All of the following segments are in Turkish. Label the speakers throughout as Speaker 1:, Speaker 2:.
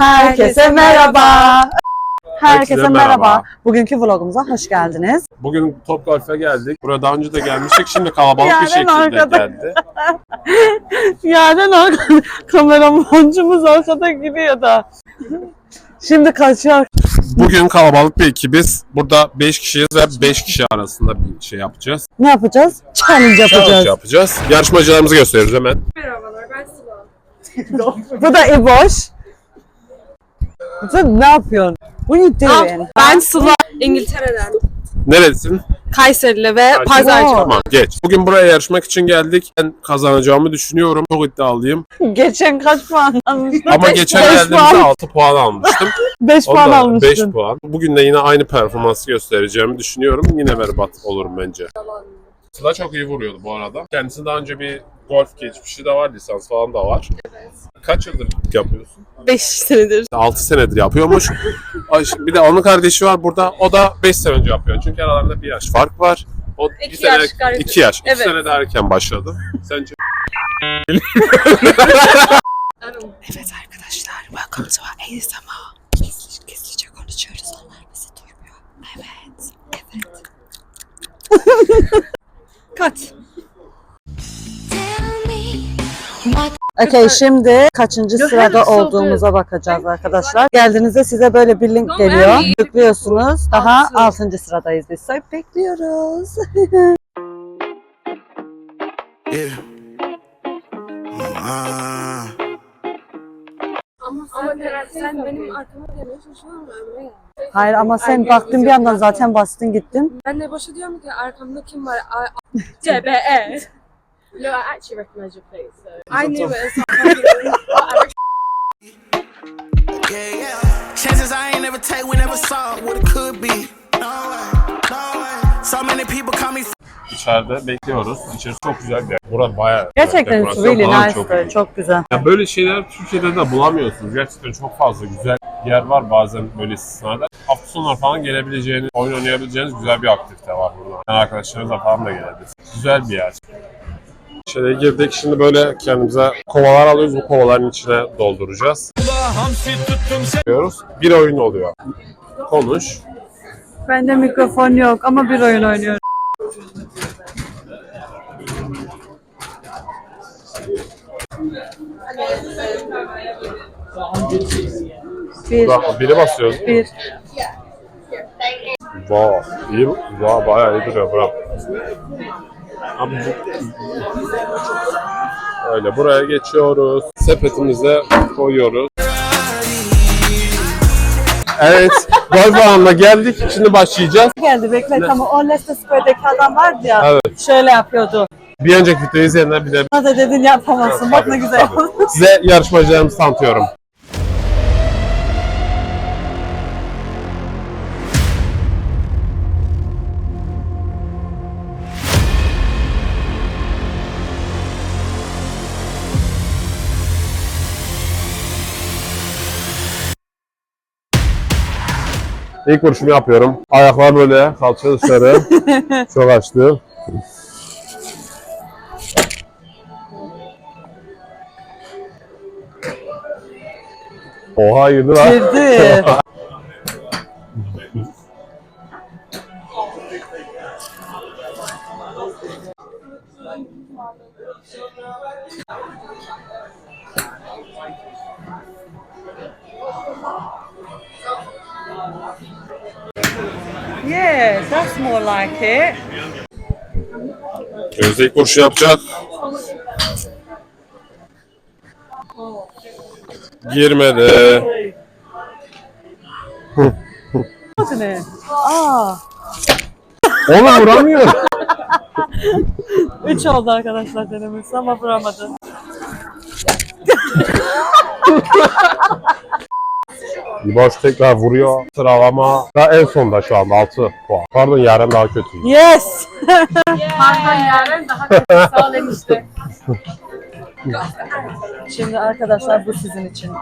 Speaker 1: Herkese merhaba. Herkese merhaba. Bugünkü vlogumuza hoş geldiniz.
Speaker 2: Bugün Topgolf'e geldik. Buraya daha önce de gelmiştik. Şimdi kalabalık bir şekilde
Speaker 1: arkada
Speaker 2: geldi.
Speaker 1: Yani kameramancımız arkada gidiyor da. Şimdi kaçıyor.
Speaker 2: Bugün kalabalık bir ekibiz. Burada 5 kişiyiz ve 5 kişi arasında bir şey yapacağız.
Speaker 1: Ne yapacağız? Challenge
Speaker 2: Challenge yapacağız. Yarışmacılarımızı gösteriyoruz hemen.
Speaker 3: Merhabalar, ben Sıla.
Speaker 1: Bu da İboş. Sen ne yapıyorsun? What are you doing?
Speaker 3: Ben Sıla. İngiltere'den.
Speaker 2: Neredesin?
Speaker 3: Kayserili ve Pazarcık.
Speaker 2: Tamam geç. Bugün buraya yarışmak için geldik. Ben kazanacağımı düşünüyorum. Çok iddialıyım.
Speaker 1: Geçen kaç puan almıştın?
Speaker 2: Ama geçen geldiğimde 6 puan almıştım.
Speaker 1: 5 puan
Speaker 2: Ondan
Speaker 1: almıştın.
Speaker 2: 5 puan. Bugün de yine aynı performansı göstereceğimi düşünüyorum. Yine berbat olurum bence. Sıla çok iyi vuruyordu bu arada. Kendisi daha önce bir golf geçmişi de var, lisans falan da var. Evet. Kaç yıldır yapıyorsun?
Speaker 3: 5 senedir.
Speaker 2: 6 senedir yapıyormuş. Bir de onun kardeşi var burada. O da 5 sene önce yapıyor. Çünkü aralarında bir yaş fark var. O
Speaker 3: 2 yaş.
Speaker 2: 2 yaş. 2
Speaker 3: Evet.
Speaker 2: sene daha erken başladı. Sence?
Speaker 4: Evet arkadaşlar, welcome to our ASMR. Gizlice konuşuyoruz, onlar bizi duymuyor. Evet.
Speaker 3: Kat.
Speaker 1: Okay, şimdi kaçıncı sırada olduğumuza bakacağız arkadaşlar. Geldiğinizde size böyle bir link geliyor. Tıklıyorsunuz. Daha 6. sıradayız biz. So, bekliyoruz.
Speaker 5: Yeah.
Speaker 3: Ama sen benim arkama geliyorsun şu an Ömre'ye.
Speaker 1: Hayır ama sen baktın bir yandan zaten bastın gittin.
Speaker 3: Ben de başa diyorum ki arkamda kim var? CBE. No, I actually recognize your face. So. I knew it.
Speaker 5: Yeah, yeah. Chances I ain't never take, we never saw what it could be. No way, no way. So many people call me.
Speaker 2: İçeride bekliyoruz. İçerisi çok güzel bir yer. Burası bayağı
Speaker 1: Gerçekten
Speaker 2: dekorasyon
Speaker 1: really
Speaker 2: falan
Speaker 1: nice,
Speaker 2: çok
Speaker 1: böyle
Speaker 2: iyi.
Speaker 1: çok güzel.
Speaker 2: Ya böyle şeyler Türkiye'de de bulamıyorsunuz. Gerçekten çok fazla güzel yer var bazen böyle istisnalar. Hafta sonları falan gelebileceğiniz, oyun oynayabileceğiniz güzel bir aktivite var burada. Yani arkadaşlarınızla falan da gelebilirsiniz. Güzel bir yer. İçeriye girdik. Şimdi böyle kendimize kovalar alıyoruz. Bu kovaların içine dolduracağız. Diyoruz. Bir oyun oluyor. Konuş.
Speaker 1: Bende mikrofon yok ama bir oyun oynuyorum.
Speaker 2: Biri basıyoruz.
Speaker 1: Bir.
Speaker 2: Vay, iyi, bayağı iyi duruyor. Bravo. Öyle buraya geçiyoruz. Sepetimize koyuyoruz. Evet, golf alanına geldik. Şimdi başlayacağız.
Speaker 1: Geldi bekle tamam. O Leicester Square'deki adam vardı ya.
Speaker 2: Evet.
Speaker 1: Şöyle yapıyordu.
Speaker 2: Bir önceki videoyu izleyenler bir de
Speaker 1: Bana da dedin yapamazsın. Bak ne güzel.
Speaker 2: size yarışmacılarımızı tanıtıyorum. İlk vuruşumu yapıyorum. Ayaklar böyle, kalça dışarı. Çok açtı. Oha girdi lan.
Speaker 1: Girdi. Yes, that's more like it.
Speaker 2: Gözde ilk vuruşu yapacak. Girmedi.
Speaker 1: Adı ne? Aa.
Speaker 2: Ona vuramıyor.
Speaker 1: 3 oldu arkadaşlar denemesi ama vuramadı.
Speaker 2: Boş tekrar vuruyor. Sıralama da en sonda şu anda 6 puan. Pardon Yaren daha kötü.
Speaker 1: Yes.
Speaker 3: Pardon Yaren daha kötü. Sağ ol enişte.
Speaker 1: Şimdi arkadaşlar bu sizin için.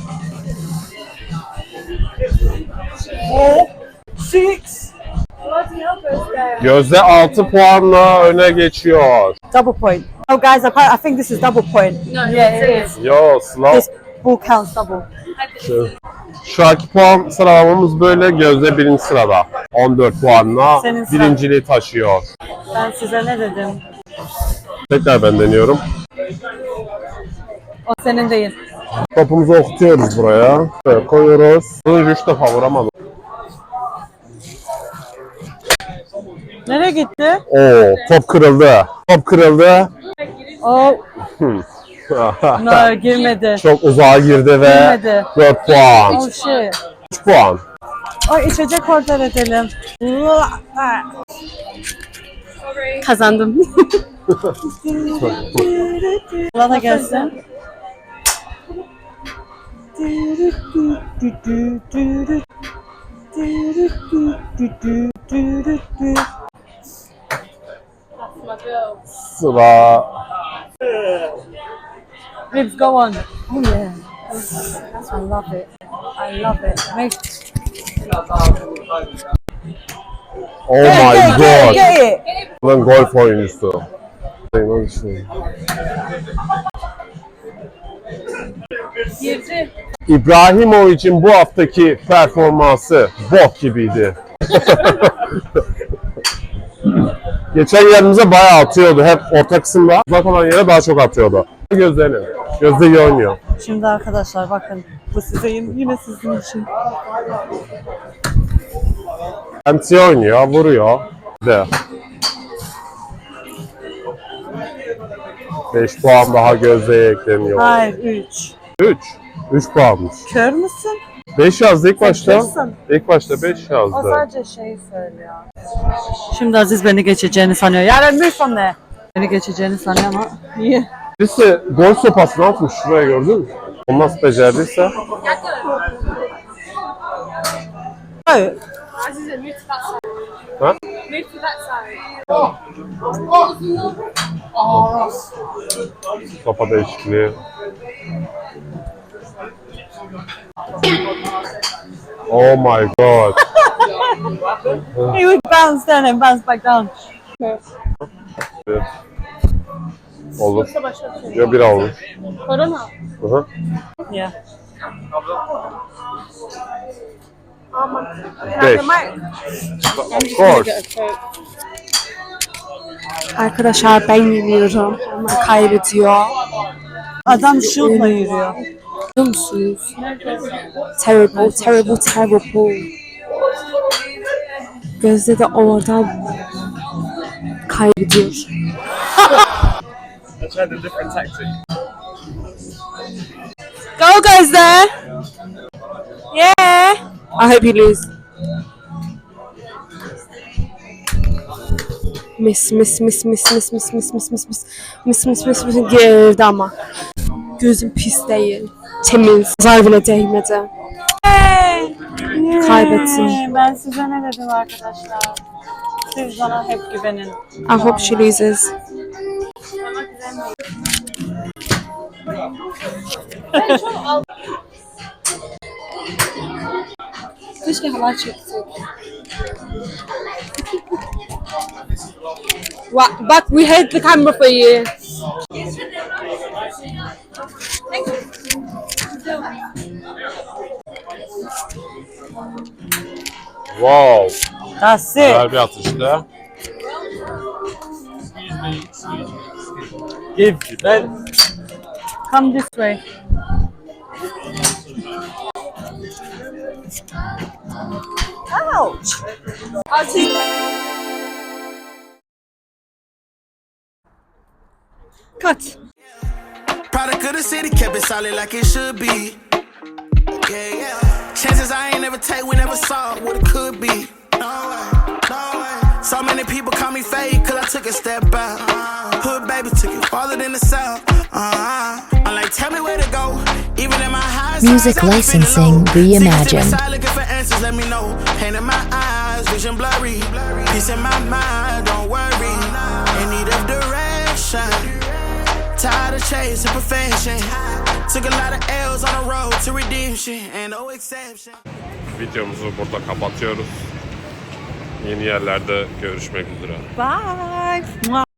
Speaker 1: Four, six,
Speaker 2: Gözde 6 puanla öne geçiyor.
Speaker 1: Double point. Oh guys, I think this is double point.
Speaker 3: No,
Speaker 1: Yeah, it is.
Speaker 2: Yo Sıla.
Speaker 1: This ball counts double.
Speaker 2: Şu anki puan sıralamamız böyle. Gözde birinci sırada. 14 puanla
Speaker 1: Senin sıran.
Speaker 2: birinciliği taşıyor.
Speaker 1: Ben size ne dedim?
Speaker 2: Tekrar ben deniyorum.
Speaker 1: O senin değil.
Speaker 2: Topumuzu okutuyoruz buraya. Böyle koyuyoruz. Bunu 3 defa vuramadım.
Speaker 1: Nereye gitti?
Speaker 2: Oo, top kırıldı. Top kırıldı.
Speaker 1: Oh, no, girmedi.
Speaker 2: Çok uzağa girdi ve
Speaker 1: Girmedi.
Speaker 2: 4 puan.
Speaker 1: Oh shit.
Speaker 2: 3 puan.
Speaker 1: Ay içecek order edelim.
Speaker 3: Kazandım.
Speaker 1: Bana gelsin.
Speaker 2: Sıra.
Speaker 1: Ribs, go on. Oh yeah. I love it. I love it. Make
Speaker 2: Oh my god.
Speaker 1: Get it.
Speaker 2: Ulan golf oyuncusu.
Speaker 3: Girdi.
Speaker 2: İbrahimovic'in bu haftaki performansı bok gibiydi. Geçen yerimize bayağı atıyordu. Hep orta kısımda. Uzak olan yere daha çok atıyordu. Gözlerini. Gözde iyi oynuyor.
Speaker 1: Şimdi arkadaşlar bakın. Bu size yine sizin için.
Speaker 2: MC oynuyor, vuruyor. De. 5 puan daha Gözde'ye ekleniyor.
Speaker 1: Hayır 3.
Speaker 2: 3. 3 puanmış.
Speaker 1: Kör müsün?
Speaker 2: 5 yazdı ilk başta.
Speaker 1: Kırsın.
Speaker 2: İlk başta 5
Speaker 1: O
Speaker 2: yazdı.
Speaker 1: sadece şeyi söylüyor. Şimdi Aziz beni geçeceğini sanıyor. Yani bir son ne? Beni geçeceğini sanıyor ama iyi.
Speaker 2: Birisi gol sopasını atmış şuraya, gördün mü? Onu nasıl becerdiyse.
Speaker 1: Hayır.
Speaker 3: Azize, move to that side.
Speaker 2: Ha?
Speaker 3: Move to that side.
Speaker 2: Sopa değişikliği. Oh my god.
Speaker 1: He would bounce down and bounce back down.
Speaker 2: Evet. Olur. Ya bir olur.
Speaker 3: Korona.
Speaker 2: Hı hı.
Speaker 1: Yeah.
Speaker 2: Beş. Of course.
Speaker 4: Arkadaşlar ben yeniyorum. Onlar kaybediyor.
Speaker 1: Adam şutla yürüyor.
Speaker 4: Biliyor musunuz? Terrible, terrible, terrible. Gözde de oradan kaybediyor. Go Gözde! Yeah! I hope you lose. Miss girdi ama. Gözüm pis değil. Temiz. Zar bile değmedi. Kaybettim.
Speaker 1: Ben size ne dedim arkadaşlar? Siz bana hep güvenin.
Speaker 4: I hope she loses. Keşke halay çeksek. Bak, we hid the camera for you.
Speaker 2: Wow.
Speaker 1: That's it.
Speaker 2: Güzel bir atıştı.
Speaker 1: Come this way. Ouch.
Speaker 4: Cut.
Speaker 5: Product of the city, kept it solid like it should be. Yeah, yeah. Chances I ain't never take, we never saw what it could be. No way, no way. So many people call me fake, cause I took a step out. Hood baby took it farther than the south. I'm like, tell me where to go. Even in my highs,
Speaker 6: Music licensing reimagined.
Speaker 5: Looking for answers, let me know. Pain in my eyes, vision blurry. Peace in my mind, don't worry. In need of direction. Tired of chasing perfection. Took a lot of L's on the road to redemption. And no exception.
Speaker 2: Videomuzu burada kapatıyoruz. Yeni yerlerde görüşmek üzere.
Speaker 1: Bye.